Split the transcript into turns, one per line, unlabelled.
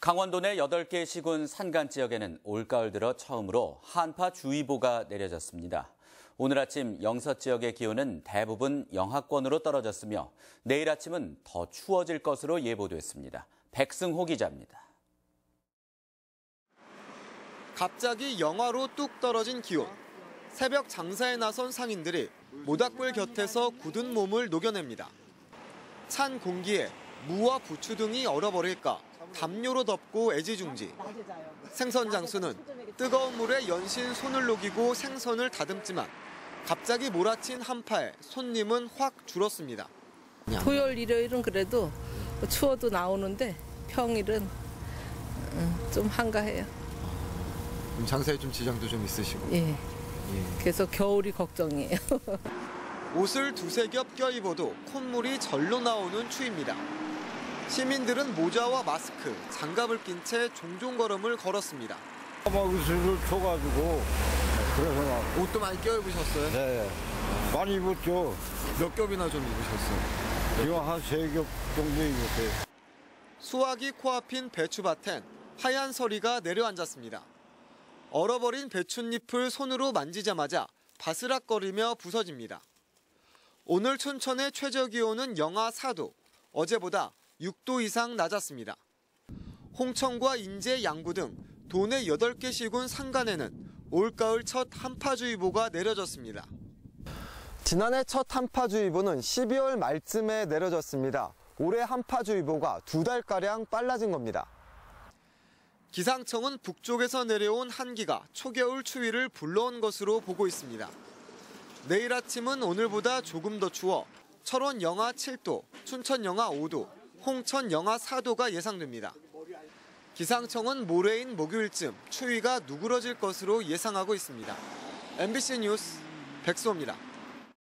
강원도 내 8개 시군 산간 지역에는 올가을 들어 처음으로 한파주의보가 내려졌습니다. 오늘 아침 영서 지역의 기온은 대부분 영하권으로 떨어졌으며 내일 아침은 더 추워질 것으로 예보됐습니다. 백승호 기자입니다.
갑자기 영하로 뚝 떨어진 기온. 새벽 장사에 나선 상인들이 모닥불 곁에서 굳은 몸을 녹여냅니다. 찬 공기에 무와 부추 등이 얼어버릴까 담요로 덮고 애지중지. 생선 장수는 뜨거운 물에 연신 손을 녹이고 생선을 다듬지만 갑자기 몰아친 한파에 손님은 확 줄었습니다.
토요일, 일요일은 그래도 추워도 나오는데 평일은 좀 한가해요.
그럼 장사에 좀 지장도 좀 있으시고?
예. 그래서 겨울이 걱정이에요.
옷을 두세 겹 껴입어도 콧물이 절로 나오는 추위입니다. 시민들은 모자와 마스크, 장갑을 낀 채 종종 걸음을 걸었습니다.
막 으슬을 쳐가지고 그래서
옷도 많이 껴입으셨어요?
네, 많이 입었죠.
몇 겹이나 좀 입으셨어요?
지금 한 3겹 정도 입었어요.
수확이 코앞인 배추밭엔 하얀 서리가 내려앉았습니다. 얼어버린 배춧잎을 손으로 만지자마자 바스락거리며 부서집니다. 오늘 춘천의 최저 기온은 영하 4도, 어제보다 6도 이상 낮았습니다. 홍천과 인제, 양구 등 도내 8개 시군 산간에는 올가을 첫 한파주의보가 내려졌습니다. 지난해 첫 한파주의보는 12월 말쯤에 내려졌습니다. 올해 한파주의보가 2달가량 빨라진 겁니다. 기상청은 북쪽에서 내려온 한기가 초겨울 추위를 불러온 것으로 보고 있습니다. 내일 아침은 오늘보다 조금 더 추워 철원 영하 7도, 춘천 영하 5도, 홍천 영하 4도가 예상됩니다. 기상청은 모레인 목요일쯤 추위가 누그러질 것으로 예상하고 있습니다. MBC 뉴스 백수호입니다.